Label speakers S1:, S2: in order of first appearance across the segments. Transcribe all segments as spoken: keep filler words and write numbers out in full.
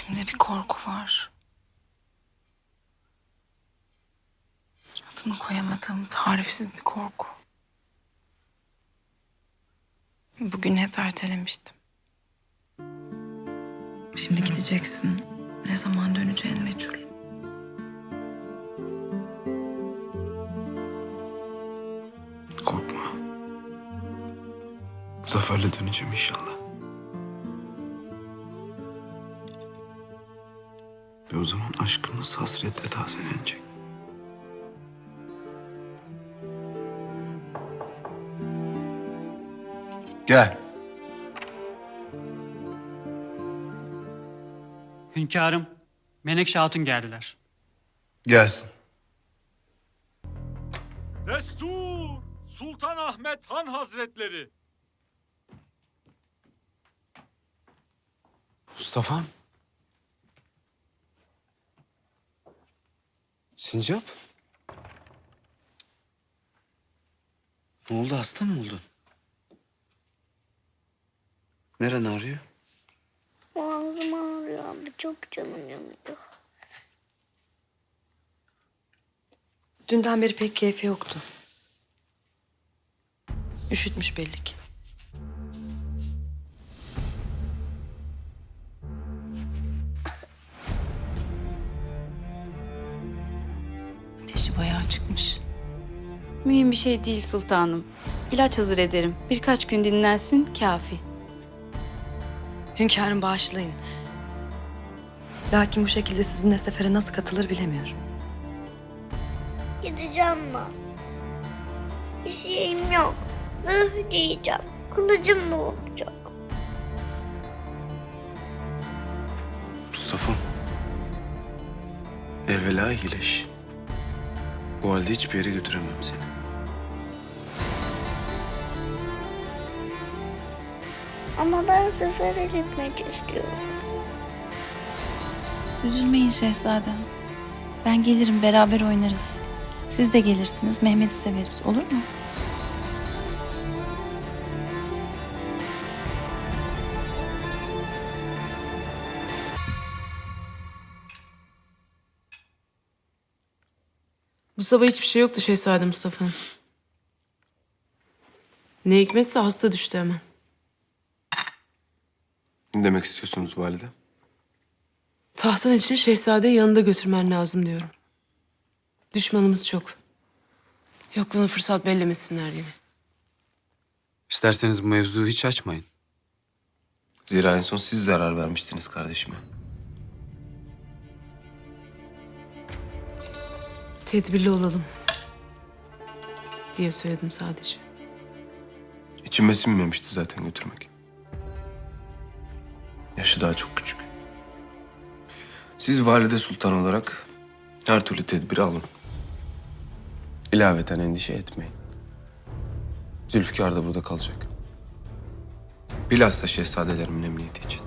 S1: İçimde bir korku var. Adını koyamadığım tarifsiz bir korku. Bugün hep ertelemiştim. Şimdi gideceksin. Ne zaman döneceğin meçhul.
S2: Korkma. Zaferle döneceğim inşallah. Ve o zaman aşkımız hasretle tazelenecek. Gel.
S3: Hünkârım, Menekşe Hatun geldiler.
S2: Gelsin.
S4: Destur! Sultan Ahmet Han Hazretleri!
S2: Mustafa'm. Sincap. Ne oldu, hasta mı oldun? Neren ağrıyor?
S5: Ağzım ağrıyor abi. Çok canım yanıyor.
S6: Dünden beri pek keyfi yoktu. Üşütmüş belli ki.
S1: Ateşi bayağı çıkmış.
S7: Mühim bir şey değil sultanım. İlaç hazır ederim. Birkaç gün dinlensin kafi.
S6: Hünkârım bağışlayın. Lakin bu şekilde sizinle sefere nasıl katılır bilemiyorum.
S5: Gideceğim ben. Bir şeyim yok. Zırh giyeceğim. Kılıcım ne olacak?
S2: Mustafa'm. Evvela iyileş. Bu halde hiçbir yere götüremem seni.
S5: Ama ben sefere gitmek istiyorum.
S1: Üzülmeyin şehzadem. Ben gelirim, beraber oynarız. Siz de gelirsiniz, Mehmet'i severiz. Olur mu?
S8: Bu sabah hiçbir şey yoktu Şehzade Mustafa'nın. Ne hikmetse hasta düştü hemen.
S2: Ne demek istiyorsunuz valide?
S8: Tahtın için şehzadeyi yanında götürmen lazım diyorum. Düşmanımız çok. Yokluğunu fırsat bellemesinler yine.
S2: İsterseniz bu mevzuyu hiç açmayın. Zira en son siz zarar vermiştiniz kardeşime.
S8: Tedbirli olalım diye söyledim sadece.
S2: İçime sinmemişti zaten götürmek. Yaşı daha çok küçük. Siz valide sultan olarak her türlü tedbiri alın. İlaveten endişe etmeyin. Zülfikar da burada kalacak. Bilhassa şehzadelerimin emniyeti için.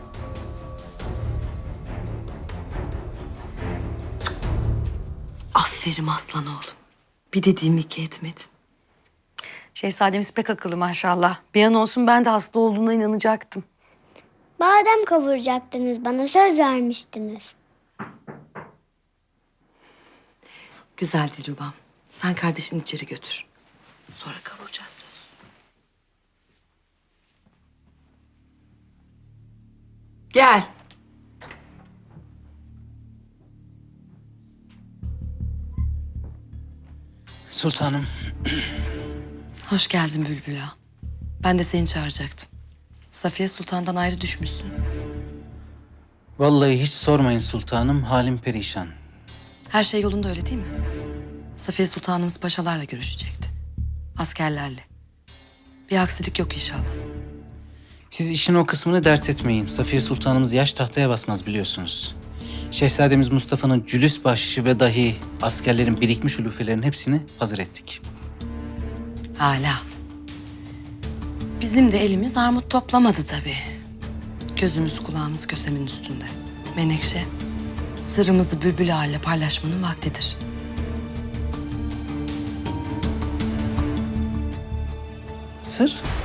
S6: Aferin aslan oğlum. Bir dediğimi iki etmedin.
S9: Şehzademiz pek akıllı maşallah. Bir an olsun ben de hasta olduğuna inanacaktım.
S5: Badem kavuracaktınız. Bana söz vermiştiniz.
S6: Güzel Dilrubam. Sen kardeşini içeri götür. Sonra kavuracağız söz. Gel.
S10: Sultanım,
S6: Hoş geldin Bülbül Ağa. Ben de seni çağıracaktım. Safiye Sultan'dan ayrı düşmüşsün.
S10: vallahi hiç sormayın sultanım, halim perişan.
S6: Her şey yolunda öyle değil mi? Safiye Sultanımız paşalarla görüşecekti. Askerlerle. Bir aksilik yok inşallah.
S10: Siz işin o kısmını dert etmeyin. Safiye Sultanımız yaş tahtaya basmaz biliyorsunuz. Şehzademiz Mustafa'nın cülüs bahşişi ve dahi askerlerin birikmiş ulufelerinin hepsini hazır ettik.
S6: Hala. Bizim de elimiz armut toplamadı tabii. Gözümüz kulağımız kösemin üstünde. Menekşe, sırrımızı Bülbül Ağa ile paylaşmanın vaktidir.
S10: Sır?